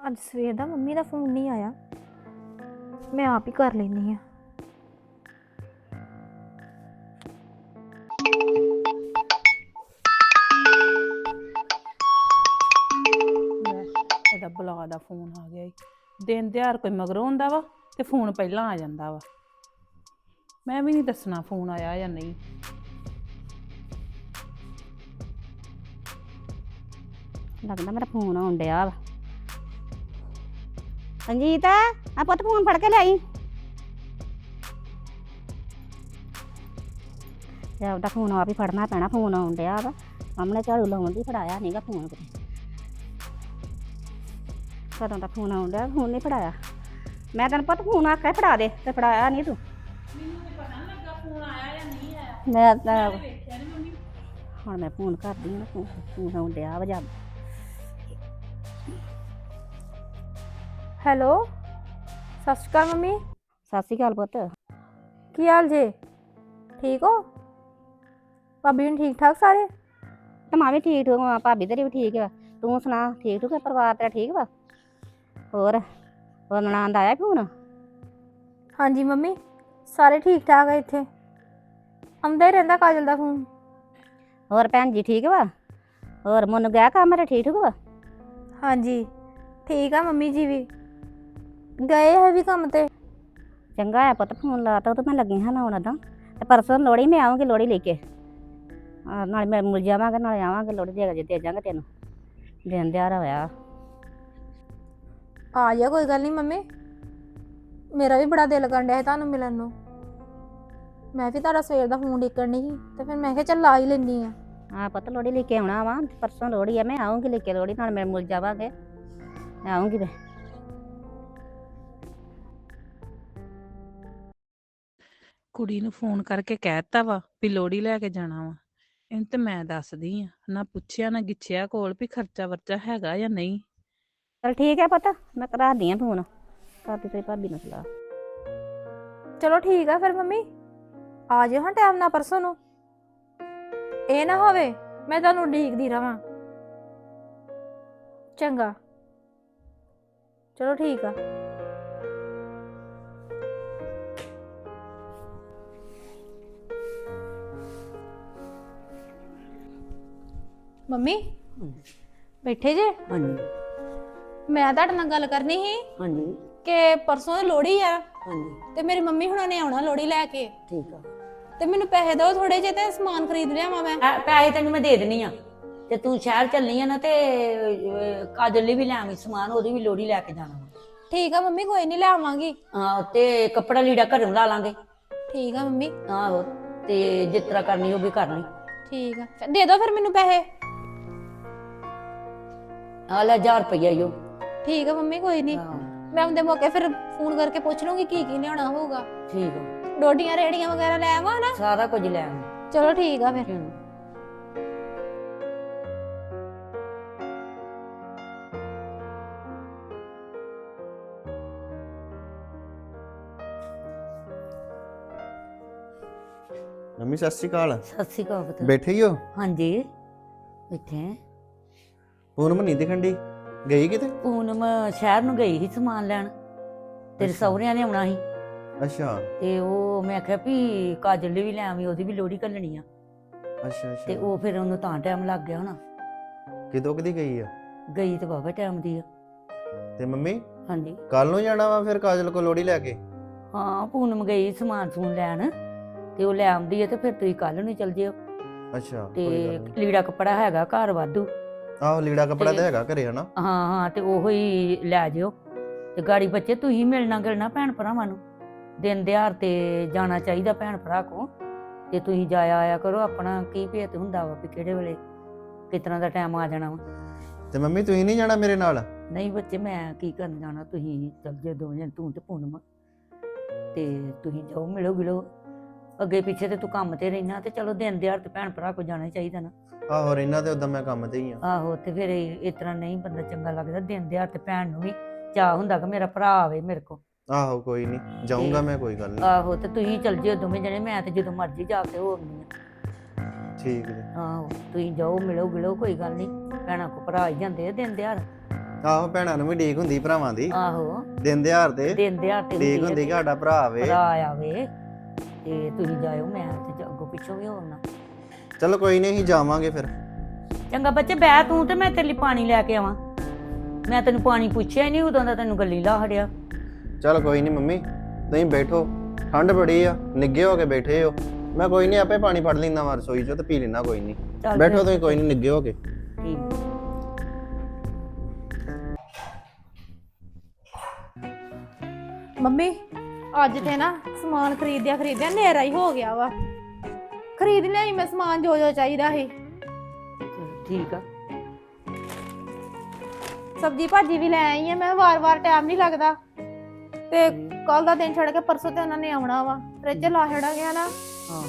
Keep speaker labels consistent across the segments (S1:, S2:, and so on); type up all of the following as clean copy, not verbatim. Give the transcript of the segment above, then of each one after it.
S1: ਅੱਜ ਸਵੇਰ ਦਾ ਮੰਮੀ ਦਾ ਫੋਨ ਨਹੀਂ ਆਇਆ। ਮੈਂ ਆਪ ਹੀ ਕਰ ਲੈਂਦੀ ਆ।
S2: ਲੈ ਇਹਦਾ ਬਲਾ ਦਾ ਫੋਨ ਆ ਗਿਆ ਈ। ਦਿਨ ਤਿਉਹਾਰ ਕੋਈ ਮਗਰੋਂ ਹੁੰਦਾ ਵਾ ਤੇ ਫੋਨ ਪਹਿਲਾਂ ਆ ਜਾਂਦਾ ਵਾ। ਮੈਂ ਵੀ ਨਹੀਂ ਦੱਸਣਾ ਫੋਨ ਆਇਆ ਜਾਂ ਨਹੀਂ।
S3: ਲੱਗਦਾ ਮੇਰਾ ਫੋਨ ਆਉਣ ਡਿਆ ਵਾ। ਸੰਜੀਤ ਆ ਪੁੱਤ ਫੋਨ ਫੜ ਕੇ ਲਿਆਈ। ਜਾ ਉਹਦਾ ਫੋਨ ਆਪ ਹੀ ਫੜਨਾ ਪੈਣਾ, ਫੋਨ ਆਉਣ ਡਿਆ ਵਾ। ਸਾਹਮਣੇ ਝਾੜੂ ਲਾਉਣ ਦੀ ਫੜਾਇਆ ਨਹੀਂਗਾ ਫੋਨ ਕਿਤੇ। ਕਦੋਂ ਦਾ ਫੋਨ ਆਉਣ ਡਿਆ, ਫੋਨ ਨਹੀਂ ਫੜਾਇਆ। ਮੈਂ ਤੈਨੂੰ ਪੁੱਤ ਫੋਨ ਆਖਿਆ ਫੜਾ ਦੇ ਤੇ ਫੜਾਇਆ ਨਹੀਂ ਤੂੰ।
S2: ਮੈਨੂੰ ਤੇ ਪਤਾ ਨਹੀਂ ਲੱਗਾ ਫੋਨ ਆਇਆ ਜਾਂ ਨਹੀਂ ਆਇਆ।
S3: ਮੈਂ ਤਾਂ
S2: ਵੇਖਿਆ ਨਹੀਂ ਮੰਮੀ।
S3: ਹੁਣ ਮੈਂ ਫੋਨ ਕਰਦੀ ਹਾਂ ਨਾ, ਫੋਨ ਆਉਣ ਡਿਆ ਵਾ। ਜਾ
S1: ਹੈਲੋ, ਸਤਿ ਸ਼੍ਰੀ ਅਕਾਲ ਮੰਮੀ।
S3: ਸਤਿ ਸ਼੍ਰੀ ਅਕਾਲ ਪੁੱਤ।
S1: ਕੀ ਹਾਲ ਜੇ? ਠੀਕ ਹੋ? ਭਾਬੀ ਨੂੰ ਠੀਕ ਠਾਕ ਸਾਰੇ?
S3: ਤੇ ਮੈਂ ਵੀ ਠੀਕ ਠੂਕ ਹਾਂ, ਭਾਬੀ ਤੇਰੀ ਵੀ ਠੀਕ ਵਾ। ਤੂੰ ਸੁਣਾ, ਠੀਕ ਠੂਕ ਹੈ? ਪਰਿਵਾਰ ਤੇਰਾ ਠੀਕ ਵਾ? ਹੋਰ ਨਨਾਣ ਦਾ ਆਇਆ ਫੋਨ?
S1: ਹਾਂਜੀ ਮੰਮੀ, ਸਾਰੇ ਠੀਕ ਠਾਕ ਆ। ਇੱਥੇ ਆਉਂਦਾ ਹੀ ਰਹਿੰਦਾ ਕਾਜਲ ਦਾ ਫੋਨ।
S3: ਹੋਰ ਭੈਣ ਜੀ ਠੀਕ ਵਾ? ਹੋਰ ਮਨ ਗਿਆ ਕੰਮ ਮੇਰਾ ਠੀਕ ਠੂਕ ਵਾ?
S1: ਹਾਂਜੀ ਠੀਕ ਆ ਮੰਮੀ ਜੀ ਵੀ ਗਏ ਹੈ ਵੀ ਕੰਮ ਤੇ।
S3: ਚੰਗਾ ਆ ਪੁੱਤ, ਫੋਨ ਲਾਤਾ ਤਾਂ ਮੈਂ ਲੱਗੀ ਹਾਂ ਲਾਉਣ ਦਾ। ਤੇ ਪਰਸੋਂ ਲੋਹੜੀ ਮੈਂ ਆਵਾਂਗੀ, ਲੋਹੜੀ ਲੈ ਕੇ। ਨਾਲੇ ਮੈਂ ਮਿਲ ਜਾਵਾਂਗੇ, ਨਾਲੇ ਆਵਾਂਗੇ ਲੋਹੜੀ ਦੇ ਜਾਵਾਂਗੇ ਤੈਨੂੰ। ਦਿਨ ਦਿਹਾੜਾ ਹੋਇਆ
S1: ਆ ਜਾ, ਕੋਈ ਗੱਲ ਨਹੀਂ ਮੰਮੀ। ਮੇਰਾ ਵੀ ਬੜਾ ਦਿਲ ਕਰਨ ਡਿਆ ਸੀ ਤੁਹਾਨੂੰ ਮਿਲਣ ਨੂੰ। ਮੈਂ ਵੀ ਤੁਹਾਡਾ ਸਵੇਰ ਦਾ ਫੋਨ ਦੇਖਣ ਨਹੀਂ ਸੀ ਤੇ ਫਿਰ ਮੈਂ ਕਿਹਾ ਚੱਲ ਲਾ ਹੀ ਲੈਂਦੀ ਆ।
S3: ਹਾਂ ਪੁੱਤ, ਲੋਹੜੀ ਲੈ ਕੇ ਆਉਣਾ ਵਾ। ਪਰਸੋਂ ਲੋਹੜੀ ਆ, ਮੈਂ ਆਉਂਗੀ ਲੈ ਕੇ ਲੋਹੜੀ, ਨਾਲ ਮੈਂ ਮਿਲ ਜਾਵਾਂਗੇ। ਮੈਂ ਆਉਂਗੀ। ਮੈਂ
S2: ਕੁੜੀ ਨੂੰ ਫੋਨ ਕਰਕੇ ਕਹਿਤਾ ਵਾ ਵੀ ਲੋੜੀ ਲੈ ਕੇ ਜਾਣਾ ਵਾ। ਇਹਨੂੰ ਤੇ ਮੈਂ ਦੱਸਦੀ ਆ, ਨਾ ਪੁੱਛਿਆ ਨਾ ਗਿੱਛਿਆ ਕੋਲ ਵੀ ਖਰਚਾ ਵਰਚਾ ਹੈਗਾ ਜਾਂ ਨਹੀਂ।
S3: ਚਲ ਠੀਕ ਹੈ ਪੁੱਤ, ਮੈਂ ਕਰਾਦੀ ਆ ਫੋਨ। ਕਰਦੀ ਤੇਰੀ ਭਾਬੀ ਨੂੰ ਸਲਾਹ।
S1: ਚਲੋ ਠੀਕ ਆ ਫਿਰ ਮੰਮੀ, ਆ ਜਾਓ ਹਾਂ ਟਾਈਮ ਨਾਲ ਪਰਸੋਂ ਨੂੰ। ਇਹ ਨਾ ਹੋਵੇ ਮੈਂ ਤੁਹਾਨੂੰ ਉਡੀਕਦੀ ਰਵਾਂ। ਚੰਗਾ, ਚਲੋ ਠੀਕ ਆ। ਮੰਮੀ ਬੈਠੇ ਜੇ?
S4: ਹਾਂਜੀ
S1: ਮੈਂ ਤੁਹਾਡੇ ਨਾਲ ਗੱਲ ਕਰਨੀ ਸੀ
S4: ਹਾਂਜੀ
S1: ਕਿ ਪਰਸੋਂ ਲੋਹੜੀ ਆ
S4: ਹਾਂਜੀ
S1: ਤੇ ਮੇਰੀ ਮੰਮੀ ਹੁਣਾਂ ਨੇ ਆਉਣਾ ਲੋਹੜੀ ਲੈ ਕੇ।
S4: ਠੀਕ ਆ।
S1: ਤੇ ਮੈਨੂੰ ਪੈਸੇ ਦਿਓ ਥੋੜੇ ਜਿਹੇ ਤੇ ਸਮਾਨ ਖਰੀਦ ਲਿਆਵਾਂ ਮੈਂ।
S4: ਪੈਸੇ ਤੈਨੂੰ ਮੈਂ ਦੇ ਦੇਣੀ ਆ ਤੇ ਤੂੰ ਸ਼ਹਿਰ ਚੱਲਣੀ ਆ ਨਾ ਤੇ ਕਾਜਲ ਲਈ ਵੀ ਲੈ ਆਵੀਂ ਸਮਾਨ, ਉਹਦੀ ਵੀ ਲੋੜੀ ਲੈ ਕੇ ਜਾਣਾ ਵਾ।
S1: ਠੀਕ ਆ ਮੰਮੀ, ਕੋਈ ਨਹੀਂ ਲੈ ਆਵਾਂਗੀ।
S4: ਹਾਂ ਤੇ ਕੱਪੜਾ ਲੀੜਾ ਘਰੋਂ ਲਾ ਲਾਂਗੇ।
S1: ਠੀਕ ਆ ਮੰਮੀ।
S4: ਆਹੋ ਤੇ ਜਿਸ ਤਰ੍ਹਾਂ ਕਰਨੀ ਉਹ ਵੀ ਕਰ ਲਈ।
S1: ਠੀਕ ਆ, ਦੇ ਦਿਓ ਫਿਰ ਮੈਨੂੰ ਪੈਸੇ।
S4: ਆ ਲੈ 1000 ਰੁਪਈਆ ਈਓ।
S1: ਠੀਕ ਆ ਮੰਮੀ, ਕੋਈ ਨਹੀਂ।
S4: ਹਾਂ
S1: ਮੈਂ ਉਹਦੇ ਮੌਕੇ ਫਿਰ ਫੋਨ ਕਰਕੇ ਪੁੱਛ ਲੂੰਗੀ ਕੀ ਕੀ ਲਿਆਉਣਾ ਹੋਊਗਾ।
S4: ਠੀਕ ਆ,
S1: ਡੋਡੀਆਂ ਰੇੜੀਆਂ ਵਗੈਰਾ ਲੈ ਆਵਾਂ ਨਾ?
S4: ਸਾਰਾ ਕੁਝ ਲੈ ਆਵੀਂ।
S1: ਚਲੋ ਠੀਕ ਆ ਫਿਰ।
S5: ਮੰਮੀ ਸਤਿ ਸ਼੍ਰੀ ਅਕਾਲ।
S4: ਸਤਿ ਸ਼੍ਰੀ ਅਕਾਲ ਪੁੱਤ।
S5: ਬੈਠੇ ਹੀ ਹੋ?
S4: ਹਾਂਜੀ ਬੈਠੇ।
S5: ਪੂਨਮ ਨਹੀਂ ਦਿਖਣ ਡਈ, ਗਈ ਕਿਤੇ?
S4: ਪੂਨਮ ਸ਼ਹਿਰ ਨੂੰ ਗਈ ਸੀ ਸਮਾਨ ਲੈਣ, ਤੇਰੇ ਸਹੁਰਿਆਂ ਨੇ ਆਉਣਾ ਸੀ
S5: ਅੱਛਾ
S4: ਤੇ ਉਹ ਮੈਂ ਆਖਿਆ ਵੀ ਕਾਜਲ ਲਈ ਵੀ ਲੈ ਆਵੀਂ, ਉਹਦੀ ਵੀ ਲੋੜੀ ਘੱਲਣੀ ਆ।
S5: ਅੱਛਾ
S4: ਤੇ
S5: ਅੱਛਾ।
S4: ਉਹ ਫਿਰ ਉਹਨੂੰ ਤਾਂ ਟਾਈਮ ਲੱਗ ਗਿਆ ਹੋਣਾ।
S5: ਕਿਦੋਂ ਕਦੀ ਗਈ ਆ?
S4: ਗਈ ਤੇ ਬਾਬਾ ਟਾਈਮ ਦੀ ਆ।
S5: ਤੇ ਮੰਮੀ
S4: ਹਾਂਜੀ
S5: ਕੱਲ ਨੂੰ ਜਾਣਾ ਵਾ ਫਿਰ ਕਾਜਲ ਕੋ ਲੋੜੀ ਲੈ ਕੇ?
S4: ਹਾਂ ਪੂਨਮ ਗਈ ਸਮਾਨ ਸਮੂਨ ਲੈਣ ਤੇ ਉਹ ਲੈ ਆਉਂਦੀ ਹੈ ਤੇ ਫਿਰ ਤੁਸੀਂ ਕੱਲ ਨੂੰ ਚੱਲ ਜਿਓ।
S5: ਅੱਛਾ
S4: ਤੇ
S5: ਕੋਈ ਗੱਲ ਨੀ।
S4: ਲੀੜਾ ਕੱਪੜਾ ਹੈਗਾ ਘਰ ਵਾਧੂ।
S5: ਆਹੋ ਲੀੜਾ ਕੱਪੜਾ ਤਾਂ ਹੈਗਾ ਘਰੇ ਹਨਾ।
S4: ਹਾਂ ਹਾਂ ਤੇ ਉਹੋ ਹੀ ਲੈ ਜਿਓ। ਤੇ ਗਾੜੀ ਬੱਚੇ ਤੁਸੀਂ ਮਿਲਣਾ ਗਿਲਣਾ ਭੈਣ ਭਰਾਵਾਂ ਨੂੰ, ਦਿਨ ਦਿਹਾੜ ਤੇ ਜਾਣਾ ਚਾਹੀਦਾ ਭੈਣ ਭਰਾ ਕੋ। ਤੇ ਤੁਸੀਂ ਜਾਇਆ ਆਇਆ ਕਰੋ, ਆਪਣਾ ਕੀ ਭੇਤ ਹੁੰਦਾ ਵਾ ਵੀ ਕਿਹੜੇ ਵੇਲੇ ਕਿਸ ਤਰ੍ਹਾਂ ਦਾ ਟਾਈਮ ਆ ਜਾਣਾ ਵਾ।
S5: ਤੇ ਮੰਮੀ ਤੁਸੀਂ ਨਹੀਂ ਜਾਣਾ ਮੇਰੇ ਨਾਲ?
S4: ਨਹੀਂ ਬੱਚੇ ਮੈਂ ਕੀ ਕਰਨ ਜਾਣਾ, ਤੁਸੀਂ ਚੱਲ ਜਿਓ ਦੋਵੇਂ ਜਣੇ, ਤੂੰ ਤੇ ਪੂਨਮ। ਤੇ ਤੁਸੀਂ ਜਾਓ ਮਿਲੋ ਗਿਲੋ, ਅੱਗੇ ਪਿੱਛੇ ਤੇ ਤੂੰ ਕੰਮ ਤੇ ਰਹਿਣਾ ਤੇ ਚਲੋ ਦਿਨ ਦਿਹਾੜ ਤੇ ਭੈਣ ਭਰਾ ਕੋ ਜਾਣਾ ਹੀ ਚਾਹੀਦਾ ਨਾ।
S5: ਆਹੋ ਰਹਿਣਾ ਤੇ ਉਦਾਂ ਮੈਂ ਕੰਮ ਤੇ ਹੀ ਆ।
S4: ਆਹੋ ਤੇ ਫਿਰ ਇਸ ਤਰ੍ਹਾਂ ਨਹੀਂ ਬੰਦਾ ਚੰਗਾ ਲੱਗਦਾ। ਦਿਨ ਦਿਹਾੜ ਤੇ ਭੈਣ ਨੂੰ ਵੀ ਚਾਅ ਹੁੰਦਾ ਕਿ ਮੇਰਾ ਭਰਾ ਆਵੇ ਮੇਰੇ ਕੋ।
S5: ਆਹੋ ਕੋਈ ਨਹੀਂ ਜਾਊਂਗਾ ਮੈਂ, ਕੋਈ ਗੱਲ ਨਹੀਂ।
S4: ਆਹੋ ਤੇ ਤੁਸੀਂ ਚੱਲ ਜਿਓ ਦੋਵੇਂ ਜਣੇ, ਮੈਂ ਤੇ ਜਦੋਂ ਮਰਜ਼ੀ ਜਾ ਕੇ ਹੋ ਆਉਂਦੀ ਆ।
S5: ਠੀਕ ਜੀ।
S4: ਆਹੋ ਤੁਸੀਂ ਜਾਓ ਮਿਲੋ ਗਿਲੋ, ਕੋਈ ਗੱਲ ਨਹੀਂ, ਭੈਣਾਂ ਕੋ ਭਰਾ ਹੀ ਜਾਂਦੇ ਆ ਦਿਨ ਦਿਹਾੜ।
S5: ਆਹੋ ਭੈਣਾਂ ਨੂੰ ਵੀ ਡੀਕ ਹੁੰਦੀ ਭਰਾਵਾਂ ਦੀ
S4: ਆਹੋ
S5: ਦਿਨ ਦਿਹਾੜ ਤੇ
S4: ਦਿਨ ਦਿਹਾੜ ਤੇ
S5: ਡੀਕ ਹੁੰਦੀ ਕਿ ਸਾਡਾ ਭਰਾ ਆਵੇ।
S4: ਭਰਾ ਆਵੇ ਤੇ ਤੁਸੀਂ ਜਾਇਓ, ਮੈਂ ਤੇ ਅੱਗੋਂ ਪਿੱਛੋਂ ਵੀ ਹੋਣਾ।
S5: ਚਲੋ ਕੋਈ ਨਹੀਂ ਅਸੀਂ ਜਾਵਾਂਗੇ ਫਿਰ।
S4: ਚੰਗਾ ਬੱਚੇ ਬਹਿ ਤੂੰ, ਤੇ ਮੈਂ ਤੇਰੇ ਲਈ ਪਾਣੀ ਲੈ ਕੇ ਆਵਾਂ। ਮੈਂ ਤੈਨੂੰ ਪਾਣੀ ਪੁੱਛਿਆ ਹੀ ਨਹੀਂ ਉਦੋਂ ਦਾ, ਤੈਨੂੰ ਗੱਲੀ ਲਾ ਹੜਿਆ।
S5: ਚਲ ਕੋਈ ਨਹੀਂ ਮੰਮੀ, ਤੁਸੀਂ ਬੈਠੋ, ਠੰਡ ਬੜੀ ਆ, ਨਿੱਗੇ ਹੋ ਕੇ ਬੈਠੇ ਹੋ। ਮੈਂ ਕੋਈ ਨਹੀਂ ਆਪੇ ਪਾਣੀ ਫੜ ਲੈਂਦਾ ਵਾ ਰਸੋਈ ਚੋਂ ਤੇ ਪੀ ਲੈਣਾ, ਕੋਈ ਨਹੀਂ।
S4: ਚੱਲ
S5: ਬੈਠੋ
S4: ਫਿਰ।
S5: ਤੁਸੀਂ, ਕੋਈ ਨਹੀਂ ਨਿੱਗੇ ਹੋ ਕੇ।
S4: ਠੀਕ।
S1: ਮੰਮੀ ਅੱਜ ਤੇ ਨਾ ਸਮਾਨ ਖਰੀਦਿਆ ਹਨੇਰਾ ਹੀ ਹੋ ਗਿਆ ਵਾ। ਖਰੀਦ ਲਿਆਈ ਮੈਂ ਸਮਾਨ ਜੋ ਚਾਹੀਦਾ ਸੀ।
S4: ਠੀਕ ਆ।
S1: ਸਬਜੀ ਭਾਜੀ ਵੀ ਲੈ ਆਈ ਆ ਮੈਂ, ਵਾਰ-ਵਾਰ ਟਾਈਮ ਨਹੀਂ ਲੱਗਦਾ ਤੇ ਕੱਲ ਦਾ ਦਿਨ ਛੱਡ ਕੇ ਪਰਸੋਂ ਤੇ ਉਹਨਾਂ ਨੇ ਆਉਣਾ ਵਾ। ਫ੍ਰਿਜ ਲਾ ਛੜਾ ਗਿਆ ਨਾ।
S4: ਹਾਂ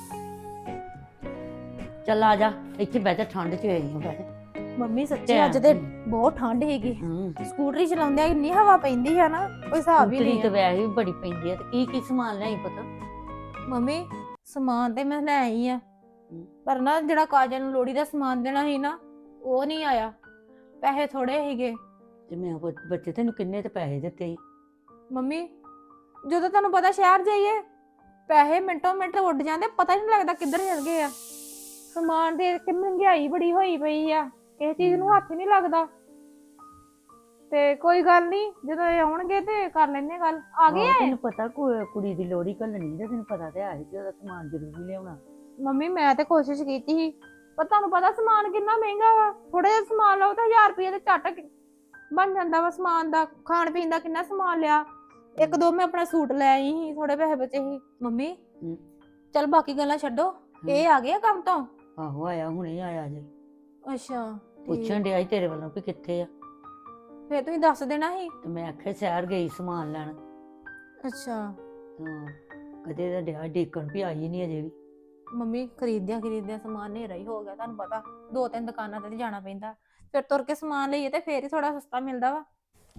S4: ਚੱਲ ਆ ਜਾ, ਇੱਥੇ ਬਹਿ ਜਾ, ਠੰਡ ਚ ਹੋਈ ਬਹਿ ਜਾ।
S1: ਮੰਮੀ ਸੱਚੀ ਅੱਜ ਤੇ ਬਹੁਤ ਠੰਡ ਹੈਗੀ। ਸਕੂਟਰੀ ਚਲਾਉਂਦੇ ਇੰਨੀ ਹਵਾ ਪੈਂਦੀ ਆ ਨਾ, ਕੋਈ ਹਿਸਾਬ ਹੀ
S4: ਸਕੂਟਰੀ
S1: ਨਹੀਂ
S4: ਤੇ
S1: ਆ।
S4: ਵੈਸੇ ਵੀ ਬੜੀ ਪੈਂਦੀ ਆ। ਤੇ ਕੀ ਕੀ ਸਮਾਨ ਲਿਆਈ ਪਤਾ?
S1: ਮੰਮੀ ਸਮਾਨ ਤੇ ਮੈਂ ਲੈ ਆਈ ਆ, ਪਰ ਨਾ ਜਿਹੜਾ ਕਾਜਲ ਨੂੰ ਲੋੜੀ ਦਾ ਸਮਾਨ ਦੇਣਾ ਸੀ ਨਾ, ਉਹ ਨਹੀਂ ਆਇਆ। ਪੈਸੇ ਥੋੜੇ ਸੀਗੇ।
S4: ਤੇ ਮੈਂ ਬੱਚੇ ਤੈਨੂੰ ਕਿੰਨੇ ਤੇ ਪੈਸੇ ਦਿੱਤੇ ਸੀ?
S1: ਮੰਮੀ ਜਦੋਂ ਤੁਹਾਨੂੰ ਪਤਾ ਸ਼ਹਿਰ ਜਾਈਏ ਪੈਸੇ ਮਿੰਟੋ ਮਿੰਟ ਉੱਡ ਜਾਂਦੇ, ਪਤਾ ਹੀ ਨਹੀਂ ਲੱਗਦਾ ਕਿੱਧਰ ਚਲ ਗਏ ਆ। ਸਮਾਨ ਦੇ ਕੇ ਮਹਿੰਗਾਈ ਬੜੀ ਹੋਈ ਪਈ ਆ, ਕਿਸੇ ਚੀਜ਼ ਨੂੰ ਹੱਥ ਹੀ ਨਹੀਂ ਲੱਗਦਾ। ਤੇ ਕੋਈ ਗੱਲ ਨਹੀਂ, ਜਦੋਂ ਇਹ ਆਉਣਗੇ ਤੇ ਕਰ ਲੈਣੇ ਗੱਲ। ਆ ਗਏ ਆ ਇਹ?
S4: ਤੈਨੂੰ ਪਤਾ ਕੁੜੀ ਦੀ ਲੋੜੀ ਘੱਲਣੀ ਤੇ ਤੈਨੂੰ ਪਤਾ ਤੇ ਹੈ ਕਿ ਉਹਦਾ ਸਮਾਨ ਜ਼ਰੂਰੀ ਲਿਆਉਣਾ।
S1: ਮੰਮੀ ਮੈਂ ਤੇ ਕੋਸ਼ਿਸ਼ ਕੀਤੀ ਸੀ, ਪਰ ਤੁਹਾਨੂੰ ਪਤਾ ਸਮਾਨ ਕਿੰਨਾ ਮਹਿੰਗਾ ਵਾ। ਥੋੜਾ ਜਿਹਾ ਸਮਾਨ ਲਓ ਤਾਂ 1000 ਰੁਪਏ ਦੇ ਝੱਟ ਬਣ ਜਾਂਦਾ ਵਾ ਸਮਾਨ ਦਾ। ਖਾਣ ਪੀਣ ਦਾ ਕਿੰਨਾ ਸਮਾਨ ਲਿਆ। ਇੱਕ ਦੋ ਮੈਂ ਆਪਣਾ ਸੂਟ ਲੈ ਆਈ ਸੀ, ਥੋੜੇ ਪੈਸੇ ਬਚੇ ਸੀ। ਮੰਮੀ ਚਲ ਬਾਕੀ ਗੱਲਾਂ ਛੱਡੋ, ਇਹ ਆ ਗਏ ਆ ਕੰਮ ਤੋਂ?
S4: ਆਹੋ ਆਇਆ, ਹੁਣੇ ਆਇਆ ਜੇ।
S1: ਅੱਛਾ
S4: ਪੁੱਛਣ ਡਿਆ ਸੀ ਤੇਰੇ ਵੱਲੋਂ ਵੀ ਕਿੱਥੇ ਆ।
S1: ਫੇਰ ਤੁਸੀਂ ਦੱਸ ਦੇਣਾ ਸੀ।
S4: ਤੇ ਮੈਂ ਆਖਿਆ ਸ਼ਹਿਰ ਗਈ ਸਮਾਨ ਲੈਣ।
S1: ਅੱਛਾ
S4: ਹਾਂ ਕਦੇ ਦਾ ਡਿਆ ਡੇਕਣ ਵੀ ਆਈ ਨਹੀਂ ਅਜੇ ਵੀ।
S1: ਮੰਮੀ ਖਰੀਦਿਆ ਸਮਾਨ ਹਨੇਰਾ ਹੀ ਹੋ ਗਿਆ। ਤੁਹਾਨੂੰ ਪਤਾ 2-3 ਦੁਕਾਨਾਂ ਤੇ ਜਾਣਾ ਪੈਂਦਾ, ਫਿਰ ਤੁਰ ਕੇ ਸਮਾਨ ਲਈਏ ਤੇ ਫੇਰ ਹੀ ਥੋੜਾ ਸਸਤਾ ਮਿਲਦਾ ਵਾ।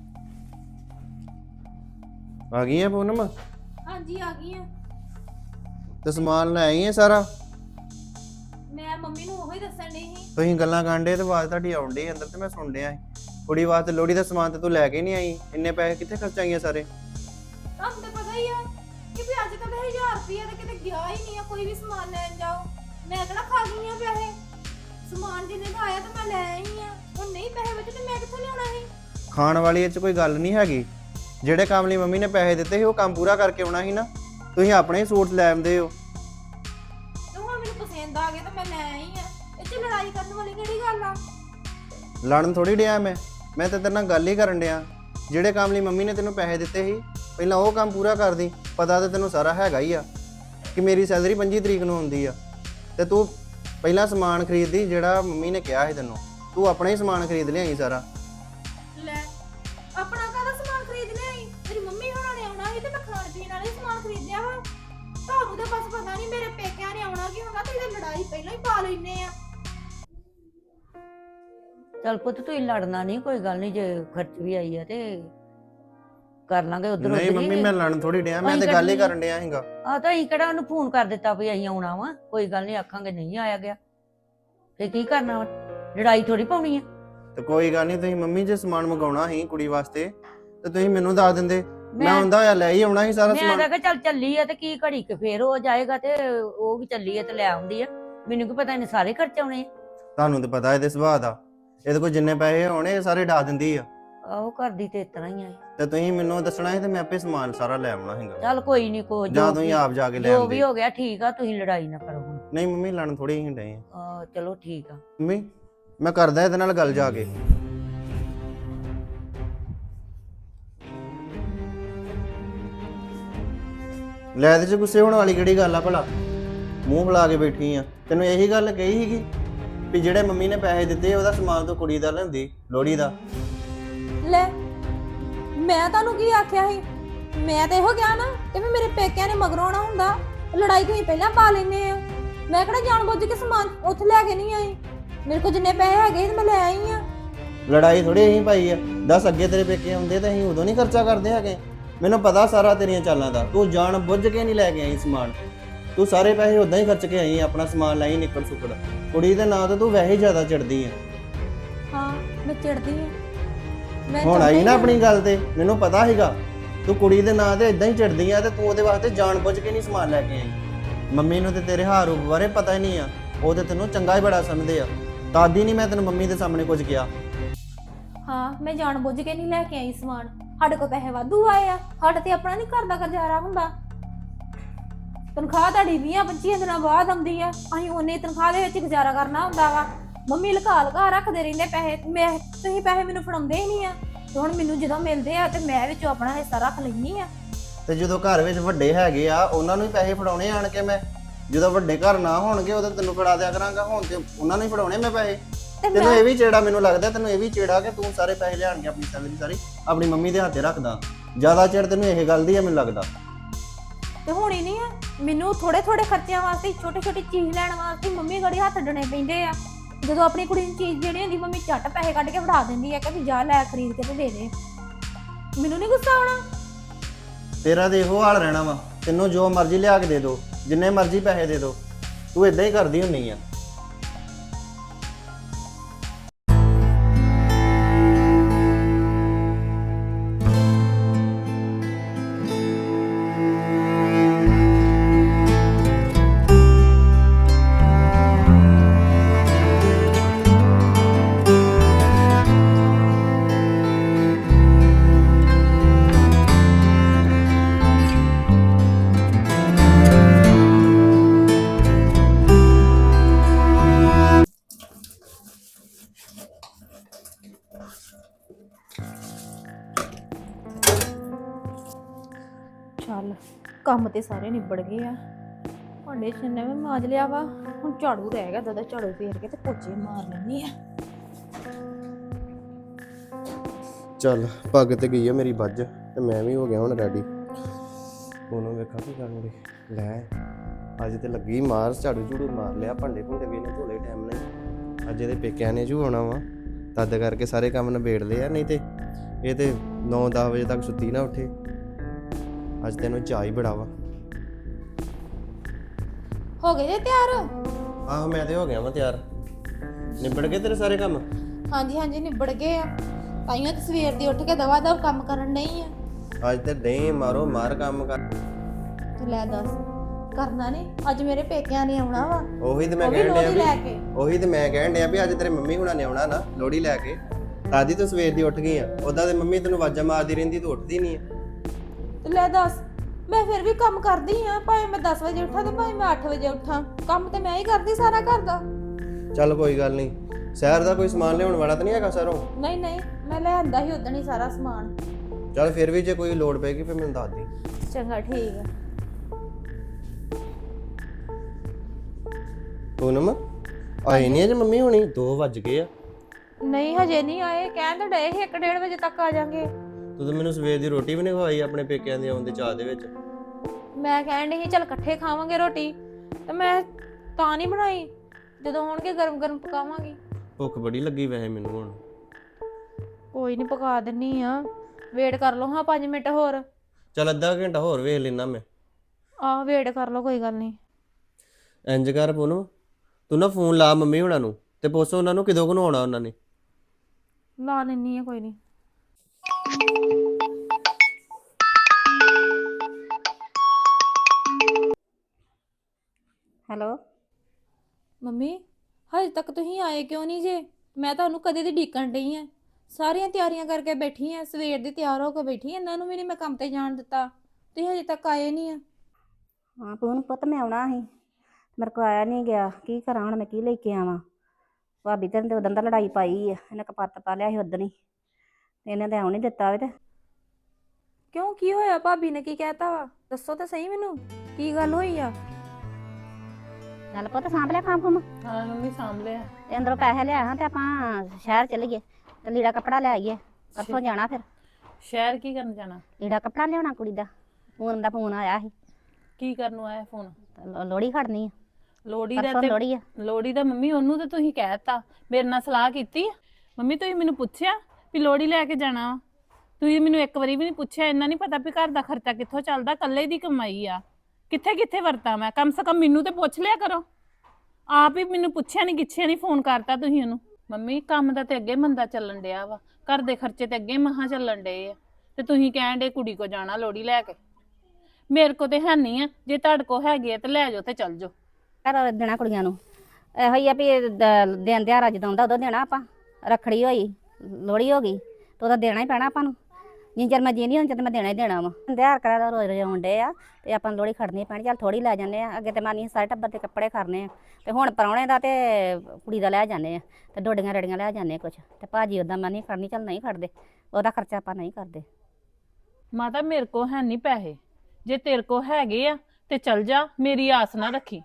S5: ਆ ਗਈ ਆ ਪੂਨਮ?
S1: ਹਾਂਜੀ ਆ ਗਈ ਆ।
S5: ਤੇ ਸਮਾਨ ਲੈ ਆਈ ਆ ਸਾਰਾ?
S1: ਮੈਂ ਮੰਮੀ ਨੂੰ ਉਹੀ ਦੱਸਣ ਡਈ ਸੀ।
S5: ਤੁਸੀਂ ਗੱਲਾਂ ਕਾਂਡੇ ਤੇ ਆਵਾਜ਼ ਤੁਹਾਡੀ ਆਉਣ ਡਈ ਅੰਦਰ ਤੇ ਮੈਂ ਸੁਣ ਡਿਆ ਸੀ। ਕੁੜੀ ਵਾਸਤੇ ਲੋੜੀ ਦਾ ਸਮਾਨ ਤੇ ਤੂੰ ਲੈ ਕੇ ਨਹੀਂ ਆਈ। ਇੰਨੇ ਪੈਸੇ ਕਿੱਥੇ ਖਰਚਾਈਏ ਸਾਰੇ?
S1: ਤੁਹਾਨੂੰ ਤੇ ਪਤਾ ਹੀ ਆ ਕਿ ਵੀ ਅੱਜ ਕੱਲ੍ਹ 1000 ਰੁਪਏ ਤੇ ਕਿਤੇ ਗਿਆ ਹੀ ਨਹੀਂ ਆ। ਕੋਈ ਵੀ ਸਮਾਨ ਲੈਣ ਜਾਓ, ਮੈਂ ਕਿਹੜਾ ਖਾ ਗਈ ਆ ਪੈਸੇ। ਸਮਾਨ ਜਿੰਨੇ ਦਾ ਆਇਆ ਤਾਂ ਮੈਂ ਲੈ ਆਈ ਆ। ਹੁਣ ਨਹੀਂ ਪੈਸੇ ਬਚੇ ਤੇ ਮੈਂ ਕਿੱਥੋਂ ਲਿਆਉਣਾ ਸੀ?
S5: ਖਾਣ ਵਾਲੀ ਇਹ 'ਚ ਕੋਈ ਗੱਲ ਨਹੀਂ ਹੈਗੀ। ਜਿਹੜੇ ਕੰਮ ਲਈ ਮੰਮੀ ਨੇ ਪੈਸੇ ਦਿੱਤੇ ਸੀ ਉਹ ਕੰਮ ਪੂਰਾ ਕਰਕੇ ਆਉਣਾ ਸੀ ਨਾ। ਤੁਸੀਂ ਆਪਣੇ ਹੀ ਸੂਟ ਲੈ ਆਉਂਦੇ ਹੋ।
S1: ਤੇ ਹੁਣ ਮੈਨੂੰ ਪਸੰਦ ਆ ਗਿਆ ਤਾਂ ਮੈਂ ਲੈ ਆਈ ਆ। ਇਹ 'ਚ ਲੜਾਈ ਕਰਨ ਵਾਲੀ ਕਿਹੜੀ ਗੱਲ ਆ?
S5: ਲੜਨ ਥੋੜੀ ਡਿਆ ਮੈਂ ਤਾਂ ਤੇਰੇ ਨਾਲ ਗੱਲ ਹੀ ਕਰਨ ਡਿਆ। ਜਿਹੜੇ ਕੰਮ ਲਈ ਮੰਮੀ ਨੇ ਤੈਨੂੰ ਪੈਸੇ ਦਿੱਤੇ ਸੀ ਪਹਿਲਾਂ ਉਹ ਕੰਮ ਪੂਰਾ ਕਰਦੀ। ਪਤਾ ਤਾਂ ਤੈਨੂੰ ਸਾਰਾ ਹੈਗਾ ਹੀ ਆ ਕਿ ਮੇਰੀ ਸੈਲਰੀ 25 ਤਰੀਕ ਨੂੰ ਆਉਂਦੀ ਆ। ਤੇ ਤੂੰ ਪਹਿਲਾਂ ਸਮਾਨ ਖਰੀਦਦੀ ਜਿਹੜਾ ਮੰਮੀ ਨੇ ਕਿਹਾ ਸੀ ਤੈਨੂੰ। ਤੂੰ ਆਪਣਾ ਹੀ ਸਮਾਨ ਖਰੀਦ ਲਿਆਈ ਸਾਰਾ।
S1: ਲੈ ਆਪਣਾ ਕਾਹਦਾ ਸਮਾਨ ਖਰੀਦ ਲਿਆਈ? ਮੇਰੀ ਮੰਮੀ ਹੋਣਾ ਨੇ ਆਉਣਾ ਸੀ ਤੇ ਮੈਂ ਖਾਣ ਪੀਣ ਵਾਲੇ ਸਮਾਨ ਖਰੀਦਿਆ ਵਾ। ਤੁਹਾਨੂੰ ਤਾਂ ਬਸ ਪਤਾ ਨਹੀਂ ਮੇਰੇ ਪੇਕਿਆਂ ਨੇ ਆਉਣਾ ਕੀ ਹੁੰਦਾ ਤੇ ਇਹਦੀ ਲੜਾਈ ਪਹਿਲਾਂ ਹੀ ਪਾ ਲੈਨੇ ਆ।
S4: ਚੱਲ ਪੁੱਤ ਤੂੰ ਲੜਨਾ ਨਹੀਂ, ਕੋਈ ਗੱਲ ਨਹੀਂ। ਜੇ ਖਰਚ ਵੀ ਆਈ ਆ ਤੇ ਕਰ ਲਾਂਗੇ ਉਧਰ।
S5: ਨਹੀਂ ਮੰਮੀ ਮੈਂ ਲੜਨ ਥੋੜੀ ਡਿਆ, ਮੈਂ ਤਾਂ ਗੱਲ ਹੀ ਕਰਨ ਡਿਆ ਸੀਗਾ।
S4: ਆ ਤਾਂ ਅਸੀਂ ਕਿਹੜਾ ਉਹਨੂੰ ਫੋਨ ਕਰ ਦਿੱਤਾ ਵੀ ਅਸੀਂ ਆਉਣਾ ਵਾ। ਕੋਈ ਗੱਲ ਨਹੀਂ, ਆਖਾਂਗੇ ਨਹੀਂ ਆਇਆ ਗਿਆ ਫੇ ਕੀ ਕਰਨਾ ਵਾ? ਲੜਾਈ ਥੋੜੀ ਪਾਉਣੀ ਆ।
S5: ਤੇ ਕੋਈ ਗੱਲ ਨਹੀਂ, ਤੁਸੀਂ ਮੰਮੀ ਜੇ ਸਮਾਨ ਮੰਗਾਉਣਾ ਸੀ ਕੁੜੀ ਵਾਸਤੇ ਤੇ ਤੁਸੀਂ ਮੈਨੂੰ ਦੱਸ ਦਿੰਦੇ। ਮੈਂ ਹੁੰਦਾ ਹੋਇਆ ਲੈ ਹੀ ਆਉਣਾ ਸੀ ਸਾਰਾ
S4: ਮੈਂ
S5: ਸਮਾਨ।
S4: ਤਾਂ ਕਿਹਾ ਚੱਲ ਚੱਲੀ ਆ ਤੇ ਕੀ ਘੜੀ ਕੇ ਫੇਰ ਹੋ ਜਾਏਗਾ ਤੇ ਉਹ ਵੀ ਚੱਲੀ ਆ ਤੇ ਲੈ ਆਉਂਦੀ ਆ। ਮੈਨੂੰ ਕੀ ਪਤਾ ਇਹਨੇ ਸਾਰੇ ਖਰਚ ਆਉਣੇ ਆ।
S5: ਤੁਹਾਨੂੰ ਤਾਂ ਪਤਾ ਇਹਦੇ ਸੁਭਾਅ ਦਾ। ਇਹਦੇ ਕੋਲ ਜਿੰਨੇ ਪੈਸੇ ਹੋਣੇ ਸਾਰੇ ਡਾ ਦਿੰਦੀ ਆ।
S4: ਆਹੋ ਕਰਦੀ ਤੇ ਇਤਨਾ ਹੀ ਆ।
S5: ਤੇ ਤੁਸੀਂ ਮੈਨੂੰ ਦੱਸਣਾ ਸੀ ਤੇ ਮੈਂ ਆਪੇ ਸਮਾਨ ਸਾਰਾ ਲੈ ਆਉਣਾ ਸੀਗਾ।
S4: ਚੱਲ ਕੋਈ ਨਹੀਂ, ਕੋ
S5: ਜਾਂ ਤੁਸੀਂ ਆਪ ਜਾ ਕੇ ਲੈ
S4: ਜੋ
S5: ਆਉਂਦੇ।
S4: ਵੀ ਹੋ ਗਿਆ ਠੀਕ ਆ, ਤੁਸੀਂ ਲੜਾਈ ਨਾ ਕਰੋ ਹੁਣ।
S5: ਨਹੀਂ ਮੰਮੀ ਲੜਨ ਥੋੜੀ ਹੀ ਡਏ
S4: ਚਲੋ ਠੀਕ ਆ।
S5: ਮੰਮੀ ਮੈਂ ਕਰਦਾ ਇਹਦੇ ਨਾਲ ਗੱਲ ਜਾ ਕੇ। ਲੈ ਇਹਦੇ ਚ ਗੁੱਸੇ ਹੋਣ ਵਾਲੀ ਕਿਹੜੀ ਗੱਲ ਆ ਭਲਾ? ਮੂੰਹ ਫੁਲਾ ਕੇ ਬੈਠੀ ਆ। ਤੈਨੂੰ ਇਹੀ ਗੱਲ ਕਹੀ ਸੀਗੀ ਵੀ ਜਿਹੜੇ ਮੰਮੀ ਨੇ ਪੈਸੇ ਦਿੱਤੇ ਉਹਦਾ ਸਮਾਨ ਤੋਂ ਕੁੜੀ ਦਾ ਲੈਂਦੀ ਲੋੜੀ ਦਾ।
S1: ਲੈ ਮੈਂ ਤੁਹਾਨੂੰ ਕੀ ਆਖਿਆ ਸੀ? ਮੈਂ ਤਾਂ ਇਹੋ ਕਿਹਾ ਨਾ ਕਿ ਵੀ ਮੇਰੇ ਪੇਕਿਆਂ ਨੇ ਮਗਰੋਂ ਆਉਣਾ ਹੁੰਦਾ। ਲੜਾਈ ਤੁਸੀਂ ਪਹਿਲਾਂ ਪਾ ਲੈਨੇ ਆ। ਮੈਂ ਕਿਹੜਾ ਜਾਣ ਬੁੱਝ ਕੇ ਸਮਾਨ ਉੱਥੇ ਲੈ ਕੇ ਨਹੀਂ ਆਈ। ਮੇਰੇ ਕੋਲ ਜਿੰਨੇ ਪੈਸੇ ਹੈਗੇ ਤੇ ਮੈਂ ਲੈ ਆਈ ਆ।
S5: ਲੜਾਈ ਥੋੜੀ ਅਸੀਂ ਪਾਈ ਆ। ਦੱਸ ਅੱਗੇ ਤੇਰੇ ਪੇਕੇ ਹੁੰਦੇ ਤਾਂ ਅਸੀਂ ਉਦੋਂ ਨਹੀਂ ਖਰਚਾ ਕਰਦੇ ਹੈਗੇ। ਮੈਨੂੰ ਪਤਾ ਸਾਰਾ ਤੇਰੀਆਂ ਚਾਲਾਂ ਦਾ। ਤੂੰ ਜਾਣ ਬੁੱਝ ਕੇ ਨਹੀਂ ਲੈ ਕੇ ਆਈ ਸਮਾਨ। ਤੂੰ ਸਾਰੇ ਪੈਸੇ ਉਦਾਂ ਹੀ ਖਰਚ ਕੇ ਆਈ। ਆਪਣਾ ਸਮਾਨ ਲਾਈ ਨਿਕਲ ਸੁੱਕੜ। ਕੁੜੀ ਦੇ ਨਾਂ ਤੇ ਤੂੰ ਵੈਸੇ ਹੀ ਜ਼ਿਆਦਾ ਚਿੜਦੀ ਆ।
S1: ਹਾਂ ਮੈਂ ਚਿੜਦੀ ਆ ਮੈਂ
S5: ਹੁਣ
S1: ਤਾਂ
S5: ਆਈ ਨਾ
S1: ਨਹੀਂ-
S5: ਆਪਣੀ ਗੱਲ ਤੇ ਮੈਨੂੰ ਪਤਾ ਸੀਗਾ ਤੂੰ ਕੁੜੀ ਦੇ ਨਾਂ ਤੇ ਇਦਾਂ ਹੀ ਚਿੜਦੀ ਆ ਤੇ ਤੂੰ ਉਹਦੇ ਵਾਸਤੇ ਜਾਣ ਬੁੱਝ ਕੇ ਨਹੀਂ ਸਮਾਨ ਲੈ ਕੇ ਆਈ। ਮੰਮੀ ਨੂੰ ਤੇ ਤੇਰੇ ਹਾਰ ਰੂਪ ਬਾਰੇ ਪਤਾ ਹੀ ਨਹੀਂ ਆ, ਉਹ ਤੇ ਤੈਨੂੰ ਚੰਗਾ ਹੀ ਬੜਾ ਸਮਝਦੇ ਆ। ਦਾਦੀ ਨਹੀਂ ਮੈਂ ਤੈਨੂੰ ਮੰਮੀ ਦੇ ਸਾਹਮਣੇ ਕੁਝ ਕਿਹਾ।
S1: ਹਾਂ ਮੈਂ ਜਾਣ ਬੁੱਝ ਕੇ ਨਹੀਂ ਲੈ ਕੇ ਆਈ ਸਮਾਨ, ਸਾਡੇ ਕੋਲ ਪੈਸੇ ਵਾਧੂ ਆਏ ਆ, ਸਾਡੇ ਤੇ ਆਪਣਾ ਨਹੀਂ ਘਰ ਦਾ ਗੁਜ਼ਾਰਾ ਹੁੰਦਾ। ਤਨਖਾਹ ਤੁਹਾਡੀ 20-25 ਦਿਨਾਂ ਬਾਅਦ ਆਉਂਦੀ ਆ, ਅਸੀਂ ਉਹਨੇ ਤਨਖਾਹ ਦੇ ਵਿੱਚ ਗੁਜ਼ਾਰਾ ਕਰਨਾ ਹੁੰਦਾ ਵਾ। ਮੰਮੀ ਲੁਕਾ ਲੁਕਾ ਰੱਖਦੇ ਰਹਿੰਦੇ ਪੈਸੇ, ਤੁਸੀਂ ਪੈਸੇ ਮੈਨੂੰ ਫੜਾਉਂਦੇ ਹੀ ਨਹੀਂ ਆ। ਤੇ ਹੁਣ ਮੈਨੂੰ ਜਦੋਂ ਮਿਲਦੇ ਆ ਤੇ ਮੈਂ ਵਿੱਚੋਂ ਆਪਣਾ ਹਿੱਸਾ ਰੱਖ ਲੈਂਦੀ ਆ।
S5: ਤੇ ਜਦੋਂ ਘਰ ਵਿੱਚ ਵੱਡੇ ਹੈਗੇ ਆ ਉਹਨਾਂ ਨੂੰ ਹੀ ਪੈਸੇ ਫੜਾਉਣੇ ਆਣ ਕੇ ਮੈਂ, ਜਦੋਂ ਵੱਡੇ ਘਰ ਨਾ ਹੋਣਗੇ ਉਦੋਂ ਤੈਨੂੰ ਫੜਾ ਦਿਆ ਕਰਾਂਗਾ, ਹੁਣ ਤੇ ਉਹਨਾਂ ਨੂੰ ਹੀ ਫੜਾਉਣੇ ਮੈਂ ਪੈਸੇ।
S1: ਤੇ
S5: ਤੈਨੂੰ ਇਹ ਵੀ ਚੇੜਾ ਮੈਨੂੰ ਲੱਗਦਾ, ਤੈਨੂੰ ਇਹ ਵੀ ਚੇੜਾ ਕਿ ਤੂੰ ਸਾਰੇ ਪੈਸੇ ਲਿਆਣ ਕੇ ਆਪਣੀ ਸੈਲਰੀ ਸਾਰੀ ਆਪਣੀ ਮੰਮੀ ਦੇ ਹੱਥੇ ਰੱਖਦਾ। ਜ਼ਿਆਦਾ ਚਿੜ ਤੈਨੂੰ ਇਹ ਗੱਲ ਦੀ ਆ ਮੈਨੂੰ ਲੱਗਦਾ।
S1: ਤੇ ਹੁਣ ਹੀ ਨਹੀਂ ਆ, ਮੈਨੂੰ ਥੋੜੇ ਥੋੜੇ ਖਰਚਿਆਂ ਵਾਸਤੇ ਛੋਟੀ ਛੋਟੀ ਚੀਜ਼ ਲੈਣ ਵਾਸਤੇ ਮੰਮੀ ਗੜੀ ਹੱਥ ਡਣੇ ਪੈਂਦੇ ਆ। ਜਦੋਂ ਆਪਣੀ ਕੁੜੀ ਨੂੰ ਚੀਜ਼ ਦੇਣੀ ਹੁੰਦੀ ਮੰਮੀ ਝੱਟ ਪੈਸੇ ਕੱਢ ਕੇ ਫੜਾ ਦਿੰਦੀ ਆ ਕਿ ਵੀ ਜਾ ਲੈ ਖਰੀਦ ਕੇ ਤੇ ਦੇ ਦੇ। ਮੈਨੂੰ ਨਹੀਂ ਗੁੱਸਾ ਆਉਣਾ।
S5: ਤੇਰਾ ਤੇ ਇਹੋ ਹਾਲ ਰਹਿਣਾ ਵਾ, ਤੈਨੂੰ ਜੋ ਮਰਜ਼ੀ ਲਿਆ ਕੇ ਦੇ ਦੋ, ਜਿੰਨੇ ਮਰਜ਼ੀ ਪੈਸੇ ਦੇ ਦੋ, ਤੂੰ ਇਦਾਂ ਹੀ ਕਰਦੀ ਹੁੰਨੀ ਆ।
S1: ਚੱਲ ਕੰਮ ਤੇ ਸਾਰੇ ਨਿਬੜ ਗਏ ਆ, ਭਾਂਡੇ ਛੰਨੇ ਮੈਂ ਮਾਜ ਲਿਆ ਵਾ, ਹੁਣ ਝਾੜੂ ਰਹਿ ਗਿਆ, ਦਾਦਾ ਝਾੜੂ ਫੇਰ ਕੇ ਤੇ ਪੋਚੇ ਮਾਰ ਲੈਣੀ ਆ।
S5: ਚੱਲ ਪੱਗ ਤੇ ਗਈ ਆ ਮੇਰੀ ਵੱਜ ਤੇ ਮੈਂ ਵੀ ਹੋ ਗਿਆ ਹੁਣ ਰੈਡੀ। ਉਹਨੂੰ ਵੇਖਾਂ ਕੀ ਕਰਨਗੇ। ਲੈ ਅੱਜ ਤੇ ਲੱਗੀ ਮਾਰ, ਝਾੜੂ ਝੂੜੂ ਮਾਰ ਲਿਆ, ਭਾਂਡੇ ਭੁੰਡੇ ਵੀ ਇਹਨੇ ਧੋਲੇ ਟਾਈਮ ਨਾਲ। ਅੱਜ ਇਹਦੇ ਪੇਕਿਆਂ ਨੇ ਜੂ ਆਉਣਾ ਵਾ, ਤਦ ਕਰਕੇ ਸਾਰੇ ਕੰਮ ਨਿਬੇੜ ਲਏ ਆ, ਨਹੀਂ ਤੇ ਇਹ ਤੇ 9-10 ਵਜੇ ਤੱਕ ਸੁੱਤੀ ਨਾ ਉੱਠੇ। ਅੱਜ ਤੈਨੂੰ ਚਾਹ ਹੀ ਬੜਾ ਵਾ।
S1: ਹੋ ਗਏ ਜੇ ਤਿਆਰ?
S5: ਆਹੋ ਮੈਂ ਤੇ ਹੋ ਗਿਆ ਵਾ ਤਿਆਰ। ਨਿਬੜ ਗਏ ਤੇਰੇ ਸਾਰੇ ਕੰਮ?
S1: ਹਾਂਜੀ ਹਾਂਜੀ ਨਿਬੜ ਗਏ ਆ, ਤਾਈਆਂ ਤੇ ਸਵੇਰ ਦੀ ਉੱਠ ਕੇ ਦਵਾ ਦਵ ਕੰਮ ਕਰਨ ਨਹੀਂ ਆ।
S5: ਅੱਜ ਤੇ ਨਹੀਂ ਮਾਰੋ ਮਾਰ ਕੰਮ ਕਰ।
S1: ਤੂੰ ਲੈ ਦੱਸ ਕਰਨਾ ਨਹੀਂ? ਅੱਜ ਮੇਰੇ ਪੇਕਿਆਂ ਨੇ ਆਉਣਾ ਵਾ,
S5: ਉਹੀ ਤੇ ਮੈਂ
S1: ਉਹ ਵੀ
S5: ਕਹਿਣ ਡਿਆ
S1: ਲੋਹੜੀ ਲੈ ਕੇ।
S5: ਉਹੀ ਤੇ ਮੈਂ ਕਹਿਣ ਡਿਆ ਵੀ ਅੱਜ ਤੇਰੇ ਮੰਮੀ ਹੁਣਾਂ ਨੇ ਆਉਣਾ ਨਾ ਲੋਹੜੀ ਲੈ ਕੇ, ਦਾਦੀ ਤੂੰ ਸਵੇਰ ਦੀ ਉੱਠ ਗਈ ਆ। ਉਦਾਂ ਤੇ ਮੰਮੀ ਤੈਨੂੰ ਆਵਾਜ਼ਾਂ ਮਾਰਦੀ ਰਹਿੰਦੀ, ਤੂੰ ਉੱਠਦੀ ਨਹੀਂ ਆ।
S1: ਤੇ ਲੈ ਦੱਸ ਮੈਂ ਫਿਰ ਵੀ ਕੰਮ ਕਰਦੀ ਆ, ਭਾਵੇਂ ਮੈਂ 10 ਵਜੇ ਉੱਠਾਂ ਤੇ ਭਾਵੇਂ ਮੈਂ 8 ਵਜੇ ਉੱਠਾਂ, ਕੰਮ ਤੇ ਮੈਂ ਹੀ ਕਰਦੀ ਸਾਰਾ ਘਰ ਦਾ।
S5: ਚੱਲ ਕੋਈ ਗੱਲ ਨਹੀਂ, ਸ਼ਹਿਰ ਦਾ ਕੋਈ ਸਮਾਨ ਲਿਆਉਣ ਵਾਲਾ ਤਾਂ ਨਹੀਂ ਹੈਗਾ ਸਰੋਂ?
S1: ਨਹੀਂ ਨਹੀਂ ਮੈਂ ਲੈ ਆਂਦਾ ਹੀ ਉਦਣ ਹੀ ਸਾਰਾ ਸਮਾਨ।
S5: ਚੱਲ ਫਿਰ ਵੀ ਜੇ ਕੋਈ ਲੋੜ ਪੈਗੀ ਫਿਰ ਮੈਨੂੰ ਦੱਸ ਦੀ।
S1: ਚੰਗਾ ਠੀਕ ਆ।
S5: ਪੂਨਮ ਆਏ ਨਹੀਂ ਅਜੇ ਮੰਮੀ ਹੁਣੀ? 2 ਵੱਜ ਗਏ ਆ।
S1: ਨਹੀਂ ਹਜੇ ਨਹੀਂ ਆਏ, ਕਹਿਣ ਤਾਂ ਡਏ ਸੀ 1-1:30 ਵਜੇ ਤੱਕ ਆ ਜਾਾਂਗੇ।
S5: ਤੂੰ ਤਾਂ ਮੈਨੂੰ ਸਵੇਰ ਦੀ ਰੋਟੀ ਵੀ ਨਹੀਂ ਖਵਾਈ ਆਪਣੇ ਪੇਕਿਆਂ ਦੇ ਆਉਣ ਦੇ ਚਾਹ ਦੇ ਵਿੱਚ।
S1: ਮੈਂ ਕਹਿਣ ਡਈ ਸੀ ਚੱਲ ਇਕੱਠੇ ਖਾਵਾਂਗੇ ਰੋਟੀ, ਤੇ ਮੈਂ ਤਾਂ ਨਹੀਂ ਬਣਾਈ, ਜਦੋਂ ਆਉਣਗੇ ਗਰਮ ਗਰਮ ਪਕਾਵਾਂਗੀ।
S5: ਭੁੱਖ ਬੜੀ ਲੱਗੀ ਵੈਸੇ ਮੈਨੂੰ ਹੁਣ।
S1: ਕੋਈ ਨਹੀਂ ਪਕਾ ਦਿੰਨੀ ਆ, ਵੇਟ ਕਰ ਲਓ ਹਾਂ 5 ਮਿੰਟ ਹੋਰ।
S5: ਚੱਲ ਅੱਧਾ ਘੰਟਾ ਹੋਰ ਵੇਖ ਲੈਣਾ ਮੈਂ।
S1: ਆਹ ਵੇਟ ਕਰ ਲਓ ਕੋਈ ਗੱਲ ਨਹੀਂ।
S5: ਇੰਜ ਕਰ ਪੂਨਮ, ਤੂੰ ਨਾ ਫੋਨ ਲਾ ਮੰਮੀ ਹੁਣਾਂ ਨੂੰ ਤੇ ਪੁੱਛ ਉਹਨਾਂ ਨੂੰ ਕਿਦੋਂ ਕੁ ਆਉਣਾ ਉਹਨਾਂ ਨੇ।
S1: ਲਾ ਲੈਣੀ ਆ ਕੋਈ ਨਹੀਂ।
S3: ਹੈਲੋ
S1: ਮੰਮੀ ਹਜੇ ਤੱਕ ਤੁਸੀਂ ਆਏ ਕਿਉਂ ਨਹੀਂ ਜੇ? ਮੈਂ ਤੁਹਾਨੂੰ ਕਦੇ ਦੀ ਡੀਕਣ ਡਈ ਆ, ਸਾਰੀਆਂ ਤਿਆਰੀਆਂ ਕਰਕੇ ਬੈਠੀ ਆ, ਸਵੇਰ ਦੀ ਤਿਆਰ ਹੋ ਕੇ ਬੈਠੀ ਆ, ਇਹਨਾਂ ਨੂੰ ਵੀ ਨਹੀਂ ਮੈਂ ਕੰਮ ਤੇ ਜਾਣ ਦਿੱਤਾ, ਤੁਸੀਂ ਹਜੇ ਤੱਕ ਆਏ ਨਹੀਂ ਆ।
S3: ਹਾਂ ਤੂੰ ਪੁੱਤ ਮੈਂ ਆਉਣਾ ਸੀ, ਮੇਰੇ ਕੋ ਆਇਆ ਨਹੀਂ ਗਿਆ, ਕੀ ਕਰਾਂ ਹੁਣ ਮੈਂ ਕੀ ਲੈ ਕੇ ਆਵਾਂ। ਭਾਬੀ ਤੇਰੇ ਤੇ ਉਦੋਂ ਦਾ ਲੜਾਈ ਪਾਈ ਆ, ਇਹਨੇ ਕਪੱਤ ਪਾ ਲਿਆ ਸੀ ਉਦਣ ਹੀ, ਤੇ ਇਹਨੇ ਤੇ ਆਉਣ ਨਹੀਂ ਦਿੱਤਾ ਵੇ। ਤੇ
S1: ਕਿਉਂ ਕੀ ਹੋਇਆ? ਭਾਬੀ ਨੇ ਕੀ ਕਹਿਤਾ ਵਾ? ਦੱਸੋ ਤਾਂ ਸਹੀ ਮੈਨੂੰ, ਕੀ ਗੱਲ ਹੋਈ ਆ?
S3: ਚੱਲ ਪੁੱਤ ਸਾਂਭ ਲਿਆ ਕੰਮ ਕੁਮ
S2: ਹਾਂ ਮੰਮੀ ਸਾਂਭ ਲਿਆ।
S3: ਤੇ ਅੰਦਰੋਂ ਪੈਸੇ ਲਿਆ ਹਾਂ ਤੇ ਆਪਾਂ ਸ਼ਹਿਰ ਚੱਲੀਏ ਤੇ ਲੀੜਾ ਕੱਪੜਾ ਲੈ ਆਈਏ। ਪਰਸੋਂ ਜਾਣਾ ਫਿਰ
S2: ਸ਼ਹਿਰ ਕੀ ਕਰਨ ਜਾਣਾ?
S3: ਲੀੜਾ ਕੱਪੜਾ ਲਿਆਉਣਾ ਕੁੜੀ ਦਾ, ਫੋਨ ਦਾ ਫੋਨ ਆਇਆ ਸੀ,
S2: ਕੀ ਕਰਨ ਨੂੰ ਆਇਆ ਫੋਨ?
S3: ਲੋਹੜੀ ਖੜਨੀ ਆ,
S2: ਲੋਹੜੀ ਦਾ
S3: ਪਰਸੋਂ
S2: ਤੇ
S3: ਲੋਹੜੀ ਆ।
S2: ਲੋਹੜੀ ਦਾ ਮੰਮੀ ਉਹਨੂੰ ਤੇ ਤੁਸੀਂ ਕਹਿਤਾ, ਮੇਰੇ ਨਾਲ ਸਲਾਹ ਕੀਤੀ ਆ? ਮੰਮੀ ਤੁਸੀਂ ਮੈਨੂੰ ਪੁੱਛਿਆ ਵੀ ਲੋਹੜੀ ਲੈ ਕੇ ਜਾਣਾ ਵਾ? ਤੁਸੀਂ ਮੈਨੂੰ ਇੱਕ ਵਾਰੀ ਵੀ ਨਹੀਂ ਪੁੱਛਿਆ। ਇੰਨਾ ਨਹੀਂ ਪਤਾ ਵੀ ਘਰ ਦਾ ਖਰਚਾ ਕਿੱਥੋਂ ਚੱਲਦਾ? ਇਕੱਲੇ ਦੀ ਕਮਾਈ ਆ, ਕਿੱਥੇ ਕਿੱਥੇ ਵਰਤਾਂ ਮੈਂ? ਕਮ ਸੇ ਕਮ ਮੈਨੂੰ ਤੇ ਪੁੱਛ ਲਿਆ ਕਰੋ। ਆਪ ਹੀ ਮੈਨੂੰ ਪੁੱਛਿਆ ਨਹੀਂ, ਗਿੱਛਿਆ ਨਹੀਂ, ਫੋਨ ਕਰਤਾ ਤੁਸੀਂ ਉਹਨੂੰ। ਮੰਮੀ ਕੰਮ ਦਾ ਤੇ ਅੱਗੇ ਮੰਦਾ ਚੱਲਣ ਡਿਆ ਵਾ, ਘਰ ਦੇ ਖਰਚੇ ਤੇ ਅੱਗੇ ਮਹਾ ਚੱਲਣ ਡਏ ਆ, ਤੇ ਤੁਸੀਂ ਕਹਿਣ ਡੇ ਕੁੜੀ ਕੋ ਜਾਣਾ ਲੋੜੀ ਲੈ ਕੇ। ਮੇਰੇ ਕੋ ਤੇ ਹੈ ਨਹੀਂ ਆ, ਜੇ ਤੁਹਾਡੇ ਕੋ ਹੈਗੇ ਆ ਤੇ ਲੈ ਜਾਓ ਤੇ ਚੱਲ ਜਾਓ।
S3: ਘਰ ਦੇਣਾ ਕੁੜੀਆਂ ਨੂੰ ਇਹੋ ਹੀ ਆ ਵੀ ਦਿਨ ਦਿਹਾੜਾ ਜਦੋਂ ਆਉਂਦਾ ਉਦੋਂ ਦੇਣਾ ਆਪਾਂ। ਰੱਖੜੀ ਹੋਈ, ਲੋਹੜੀ ਹੋ ਗਈ ਤੇ ਉਹਦਾ ਦੇਣਾ ਹੀ ਪੈਣਾ ਆਪਾਂ ਨੂੰ। ਜਿੰਜਰ ਮੈਂ ਜੀਣੀ ਹੁਣ ਜਦ ਮੈਂ ਦੇਣਾ ਹੀ ਦੇਣਾ ਵਾ। ਦਿਹਾੜ ਕਰਾ ਦਾ ਰੋਜ਼ ਆਉਂਦੇ ਆ ਤੇ ਆਪਾਂ ਨੂੰ ਲੋਹੜੀ ਖੜਨੀ ਪੈਣੀ। ਚੱਲ ਥੋੜੀ ਲੈ ਜਾਂਦੇ ਆ, ਅੱਗੇ ਤੇ ਮਾਨੀ ਸਾਰੇ ਟੱਬਰ ਦੇ ਕੱਪੜੇ ਖੜਨੇ ਆ, ਤੇ ਹੁਣ ਪ੍ਰਾਹੁਣੇ ਦਾ ਤੇ ਕੁੜੀ ਦਾ ਲੈ ਜਾਂਦੇ ਆ, ਤੇ ਡੋਡੀਆਂ ਰੜੀਆਂ ਲੈ ਜਾਂਦੇ ਆ ਕੁਛ। ਤੇ ਭਾਜੀ ਉਦਾਂ ਮੈਂ ਨਹੀਂ ਖੜਨੀ, ਚੱਲ ਨਹੀਂ ਖੜਦੇ, ਉਹਦਾ ਖਰਚਾ ਆਪਾਂ ਨਹੀਂ ਕਰਦੇ।
S2: ਮਾਤਾ ਮੇਰੇ ਕੋ ਹੈ ਨਹੀਂ ਪੈਸੇ, ਜੇ ਤੇਰੇ ਕੋ ਹੈਗੇ ਆ ਤੇ ਚੱਲ ਜਾ, ਮੇਰੀ ਆਸ ਨਾ ਰੱਖੀ।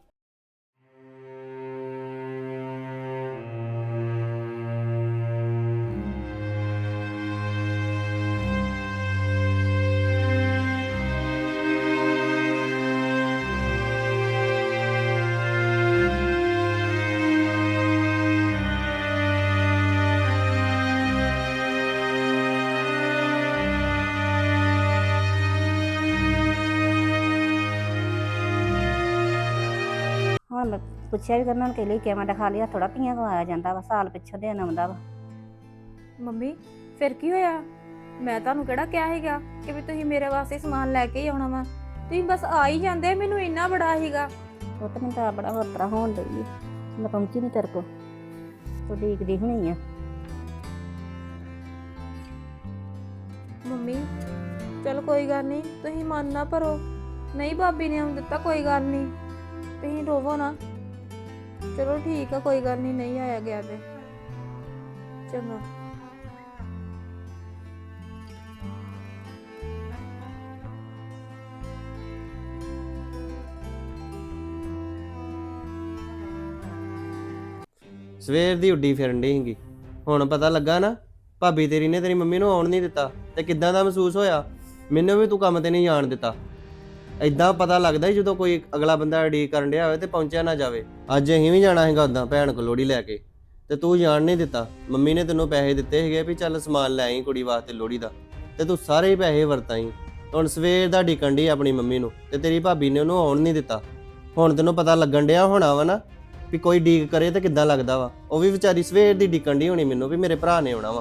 S3: ਹੁਣ ਮੈਂ ਪੁੱਛਿਆ ਵੀ ਕਰਨਾ ਹੁਣ ਕਿ ਲਈ ਕਿਵੇਂ ਦਿਖਾ ਲਿਆ, ਥੋੜਾ ਧੀਆਂ ਕੋ ਆਇਆ ਜਾਂਦਾ ਵਾ, ਸਾਲ ਪਿੱਛੋਂ ਦੇਣ ਆਉਂਦਾ ਵਾ।
S1: ਮੰਮੀ ਫਿਰ ਕੀ ਹੋਇਆ? ਮੈਂ ਤੁਹਾਨੂੰ ਕਿਹੜਾ ਕਿਹਾ ਸੀਗਾ ਕਿ ਵੀ ਤੁਸੀਂ ਮੇਰੇ ਵਾਸਤੇ ਸਮਾਨ ਲੈ ਕੇ ਹੀ ਆਉਣਾ ਵਾ? ਤੁਸੀਂ ਬਸ ਆ ਹੀ ਜਾਂਦੇ, ਮੈਨੂੰ ਇੰਨਾ ਬੜਾ ਸੀਗਾ।
S3: ਉਹ ਤਾਂ ਮੈਨੂੰ ਤਾਂ ਬੜਾ ਹੋਰ ਤਰ੍ਹਾਂ ਹੋਣ ਡਈ ਆ, ਮੈਂ ਪਹੁੰਚੀ ਨਹੀਂ ਤੇਰੇ ਕੋਲ, ਤੂੰ ਦੇਖਦੀ ਹੋਣੀ ਆ।
S1: ਮੰਮੀ ਚਲ ਕੋਈ ਗੱਲ ਨਹੀਂ, ਤੁਸੀਂ ਮਨ ਨਾ ਭਰੋ, ਨਹੀਂ ਭਾਬੀ ਨੇ ਆਉਣ ਦਿੱਤਾ, ਕੋਈ ਗੱਲ ਨਹੀਂ, ਤੁਸੀਂ ਰੋਵੋ ਨਾ। ਚਲੋ ਠੀਕ ਆ, ਕੋਈ ਗੱਲ ਨਹੀਂ, ਨਹੀਂ ਆਇਆ ਗਿਆ ਤੇ ਚੰਗਾ।
S5: ਸਵੇਰ ਦੀ ਉੱਡੀ ਫਿਰਨ ਡਈ ਸੀਗੀ, ਹੁਣ ਪਤਾ ਲੱਗਾ ਨਾ ਭਾਬੀ ਤੇਰੀ ਨੇ ਤੇਰੀ ਮੰਮੀ ਨੂੰ ਆਉਣ ਨਹੀਂ ਦਿੱਤਾ, ਤੇ ਕਿੱਦਾਂ ਦਾ ਮਹਿਸੂਸ ਹੋਇਆ? ਮੈਨੂੰ ਵੀ ਤੂੰ ਕੰਮ ਤੇ ਨਹੀਂ ਜਾਣ ਦਿੱਤਾ। ਏਦਾਂ ਪਤਾ ਲੱਗਦਾ ਜਦੋਂ ਕੋਈ ਅਗਲਾ ਬੰਦਾ ਉਡੀਕ ਕਰਨ ਡਿਆ ਹੋਵੇ ਤੇ ਪਹੁੰਚਿਆ ਨਾ ਜਾਵੇ। ਅੱਜ ਅਸੀਂ ਵੀ ਜਾਣਾ ਹੈਗਾ ਉਦਾਂ ਭੈਣ ਕੋਲ ਲੋਹੜੀ ਲੈ ਕੇ, ਤੇ ਤੂੰ ਜਾਣ ਨਹੀਂ ਦਿੱਤਾ। ਮੰਮੀ ਨੇ ਤੈਨੂੰ ਪੈਸੇ ਦਿੱਤੇ ਸੀਗੇ ਵੀ ਚੱਲ ਸਮਾਨ ਲੈ ਆਈ ਕੁੜੀ ਵਾਸਤੇ ਲੋਹੜੀ ਦਾ, ਤੇ ਤੂੰ ਸਾਰੇ ਪੈਸੇ ਵਰਤਾਈ। ਹੁਣ ਸਵੇਰ ਦਾ ਡੀਕਣ ਡਈ ਆਪਣੀ ਮੰਮੀ ਨੂੰ, ਤੇ ਤੇਰੀ ਭਾਬੀ ਨੇ ਉਹਨੂੰ ਆਉਣ ਨਹੀਂ ਦਿੱਤਾ। ਹੁਣ ਤੈਨੂੰ ਪਤਾ ਲੱਗਣ ਡਿਆ ਹੋਣਾ ਵਾ ਨਾ ਵੀ ਕੋਈ ਡੀਕ ਕਰੇ ਤੇ ਕਿੱਦਾਂ ਲੱਗਦਾ ਵਾ। ਉਹ ਵੀ ਵਿਚਾਰੀ ਸਵੇਰ ਦੀ ਡੀਕਣ ਡਈ ਹੋਣੀ ਮੈਨੂੰ ਵੀ ਮੇਰੇ ਭਰਾ ਨੇ ਆਉਣਾ ਵਾ।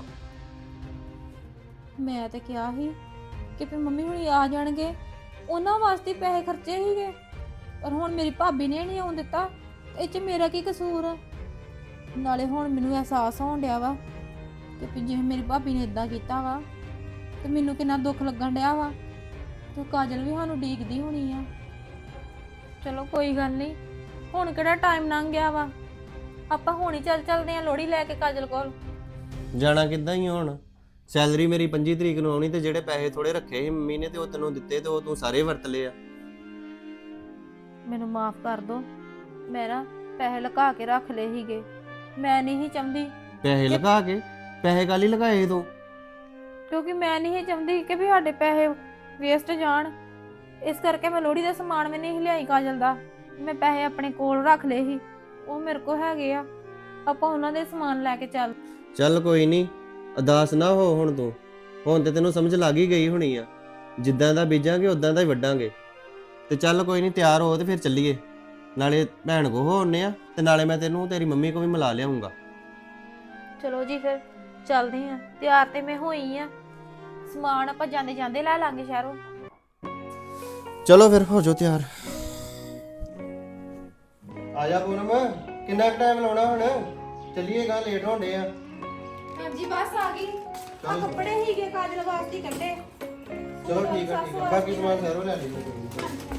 S1: ਮੈਂ ਤੇ ਕਿਹਾ ਸੀ ਕਿ ਵੀ ਮੰਮੀ ਹੁਣੀ ਆ ਜਾਣਗੇ, ਉਹਨਾਂ ਵਾਸਤੇ ਪੈਸੇ ਖਰਚੇ ਸੀਗੇ, ਪਰ ਹੁਣ ਮੇਰੀ ਭਾਬੀ ਨੇ ਨਹੀਂ ਆਉਣ ਦਿੱਤਾ। ਇਹ 'ਚ ਮੇਰਾ ਕੀ ਕਸੂਰ ਆ? ਨਾਲੇ ਹੁਣ ਮੈਨੂੰ ਅਹਿਸਾਸ ਹੋਣ ਡਿਆ ਵਾ ਕਿ ਵੀ ਜੇ ਮੇਰੀ ਭਾਬੀ ਨੇ ਇਦਾਂ ਕੀਤਾ ਵਾ ਤੇ ਮੈਨੂੰ ਕਿੰਨਾ ਦੁੱਖ ਲੱਗਣ ਡਿਆ ਵਾ, ਤੇ ਕਾਜਲ ਵੀ ਸਾਨੂੰ ਡੀਕਦੀ ਹੋਣੀ ਆ। ਚਲੋ ਕੋਈ ਗੱਲ ਨਹੀਂ, ਹੁਣ ਕਿਹੜਾ ਟਾਈਮ ਲੰਘ ਗਿਆ ਵਾ, ਆਪਾਂ ਹੁਣ ਹੀ ਚੱਲਦੇ ਆ ਲੋਹੜੀ ਲੈ ਕੇ ਕਾਜਲ ਕੋਲ।
S5: ਜਾਣਾ ਕਿੱਦਾਂ ਹੀ ਹੁਣ? ਸੈਲਰੀ ਮੇਰੀ 25 ਤਰੀਕ ਨੂੰ ਆਉਣੀ, ਤੇ ਜਿਹੜੇ ਪੈਸੇ ਥੋੜੇ ਰੱਖੇ ਸੀ ਮੰਮੀ ਨੇ ਤੇ ਉਹ ਤੈਨੂੰ ਦਿੱਤੇ, ਤੇ ਉਹ ਤੂੰ ਸਾਰੇ ਵਰਤ ਲਏ ਆ।
S1: ਮੈਨੂੰ ਮਾਫ ਕਰ ਦੋ, ਮੈਂ ਨਾ ਪੈਸੇ ਲੁਕਾ ਕੇ ਰੱਖ ਲਏ ਸੀਗੇ, ਮੈਂ ਨਹੀਂ ਸੀ ਚਾਹੁੰਦੀ।
S5: ਪੈਸੇ ਲਗਾ ਕੇ? ਪੈਸੇ ਕਾਲੀ ਲਗਾਏ ਤੂੰ?
S1: ਕਿਉਂਕਿ ਮੈਂ ਨਹੀਂ ਸੀ ਚਾਹੁੰਦੀ ਕਿ ਵੀ ਸਾਡੇ ਪੈਸੇ ਵੇਸਟ ਜਾਣ, ਇਸ ਕਰਕੇ ਮੈਂ ਲੋਹੜੀ ਦਾ ਸਮਾਨ ਵੀ ਨਹੀਂ ਲਿਆਈ ਕਾਜਲ ਦਾ। ਮੈਂ ਪੈਸੇ ਆਪਣੇ ਕੋਲ ਰੱਖ ਲਏ ਸੀ, ਉਹ ਮੇਰੇ ਕੋਲ ਹੈਗੇ ਆ, ਆਪਾਂ ਉਹਨਾਂ ਦੇ ਸਮਾਨ ਲੈ ਕੇ
S5: ਚੱਲ ਕੋਈ ਨਹੀਂ, ਉਦਾਸ ਨਾ ਹੋ ਹੁਣ ਤੂੰ। ਹੁਣ ਤੇ ਤੈਨੂੰ ਸਮਝ ਲੱਗ ਹੀ ਗਈ ਹੋਣੀ ਆ, ਜਿੱਦਾਂ ਦਾ ਬੀਜਾਂਗੇ ਉਦਾਂ ਦਾ ਹੀ ਵੱਢਾਂਗੇ। ਤੇ ਚੱਲ ਕੋਈ ਨਹੀਂ, ਤਿਆਰ ਹੋ ਤੇ ਫਿਰ ਚੱਲੀਏ, ਨਾਲੇ ਭੈਣ ਕੋ ਹੋਣੇ ਆ, ਤੇ ਨਾਲੇ ਮੈਂ ਤੈਨੂੰ ਤੇਰੀ ਮੰਮੀ ਕੋ ਵੀ ਮਿਲਾ ਲਿਆਉਂਗਾ।
S1: ਚਲੋ ਜੀ ਫਿਰ ਚੱਲਦੇ ਆ। ਤਿਆਰ ਤੇ ਮੈਂ ਹੋਈ ਆ, ਸਮਾਨ ਆਪਾਂ ਜਾਂਦੇ ਜਾਂਦੇ ਲੈ ਲਾਂਗੇ ਸ਼ਹਿਰੋਂ।
S5: ਚਲੋ ਫਿਰ ਹੋ ਜਾਓ ਤਿਆਰ। ਆ ਜਾ ਪੂਨਮ, ਕਿੰਨਾ ਟਾਈਮ ਲਾਉਣਾ ਹੁਣ? ਚੱਲੀਏਗਾ, ਲੇਟ ਹੋਣੇ ਆ।
S1: ਹਾਂਜੀ ਬਸ ਆ ਗਈ। ਆ ਕੱਪੜੇ ਹੀਗੇ ਕਾਜਲ ਵਾਸਤੇ ਕੱਢੇ।
S5: ਚਲੋ ਠੀਕ ਆ, ਬਾਕੀ ਸਮਾਨ ਸਾਰੋ ਲੈ ਲਈਏ।